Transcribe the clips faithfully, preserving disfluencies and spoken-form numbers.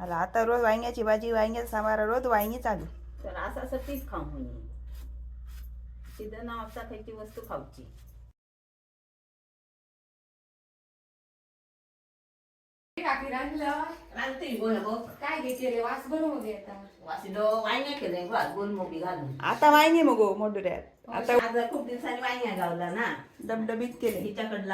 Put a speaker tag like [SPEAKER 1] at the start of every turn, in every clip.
[SPEAKER 1] आला आता रोज वांग्याची भाजी वांग्याचा सांबार रोज वांगी चालू.
[SPEAKER 2] तर असं असं तीच खाऊ म्हणे तिथं नावचा खायची वस्तू खाऊची.
[SPEAKER 3] काय घेते रे वास बनवून
[SPEAKER 2] वांग्या केलंय गोलमोबी घालून.
[SPEAKER 1] आता वांगे मग मोठ्यात आता
[SPEAKER 2] आता खूप दिवसांनी वांग्या गावला ना
[SPEAKER 1] डबडबीत केले.
[SPEAKER 2] हिच्याकडला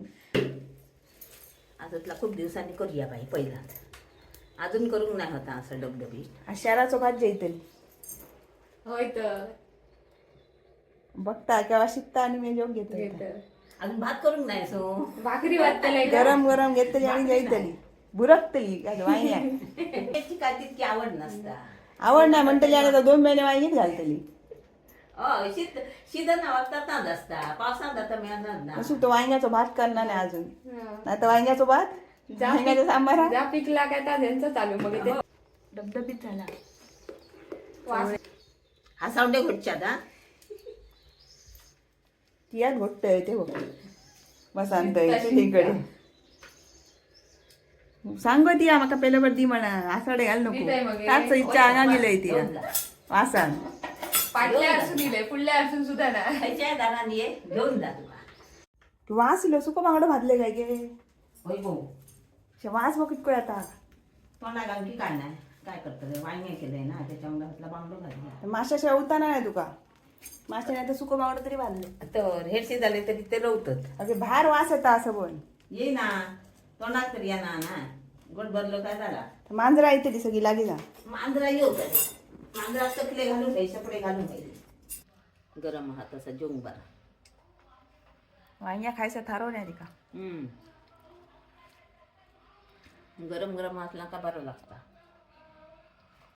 [SPEAKER 2] आजतला खूप दिवसांनी करूया बाई पहिला. अजून करून नाही होता असं डबडबी.
[SPEAKER 1] शहराचं भात जेतली
[SPEAKER 3] होय तर
[SPEAKER 1] बघता केव्हा शिकता आणि मी जेवण घेतो.
[SPEAKER 2] अजून भात करून नाही सो
[SPEAKER 3] भाकरी वाटतलंय
[SPEAKER 1] गरम गरम घेतली आणि जेतली बुरकतली वांग्या.
[SPEAKER 2] त्याची काय तितकी आवड नसता.
[SPEAKER 1] आवड नाही म्हणतली आणि आता दोन महिने वांगीत घालतली.
[SPEAKER 2] अ शीत शीत ना वागतात असता पावसात आता मिळणार ना.
[SPEAKER 1] अशी तो वांग्याचा भात करणार नाही अजून. नाही तर वांग्याचा भात वांग्याचा सांबार
[SPEAKER 3] जा पिकला काय त्या त्यांचं चालू मग ते
[SPEAKER 1] डबडबीत झाला.
[SPEAKER 3] वास
[SPEAKER 2] हा सावडे घोटच्यात हा
[SPEAKER 1] तियात घोटतय ते बघ वसंत तिकडे सांग ती माका पहिल्या बर दी म्हणा आसाडे घाल नको त्याच इच्छा आगा गेलंय ती वासान
[SPEAKER 3] पाटल्या असून दिले पुढल्या असून सुद्धा ना
[SPEAKER 2] खायच्या दाराने ये घेऊन जा तुला.
[SPEAKER 1] वास इलो सुको बांगडो भाजले काय गे
[SPEAKER 2] होय भाऊ
[SPEAKER 1] वास बघ कितको येता.
[SPEAKER 2] तोंडा घालून की काय नाही काय करतं वांगे केलंय ना त्याच्यामुळे हातला बांगडो घालला.
[SPEAKER 1] माशाशिवाय उताना नाही तुका. माशा नाही तर सुको बांगडो तरी भाजले
[SPEAKER 2] तर हेरशी झाले तरी ते रवतात.
[SPEAKER 1] अगे बाहेर वास येता असं बोल.
[SPEAKER 2] ये ना तोंडात तरी या ना ना गोड भरलो काय झाला.
[SPEAKER 1] मांजरा येते ती सगळी लागे जा.
[SPEAKER 2] मांजरा येऊ तरी मांजरा चकले घालून पाहिजे सपडे घालून पाहिजे. गरम हात असा जेवून बरा.
[SPEAKER 1] वांग्या खायचं थारो नाही तिका.
[SPEAKER 2] हम्म गरम गरम असला का बरं लागता.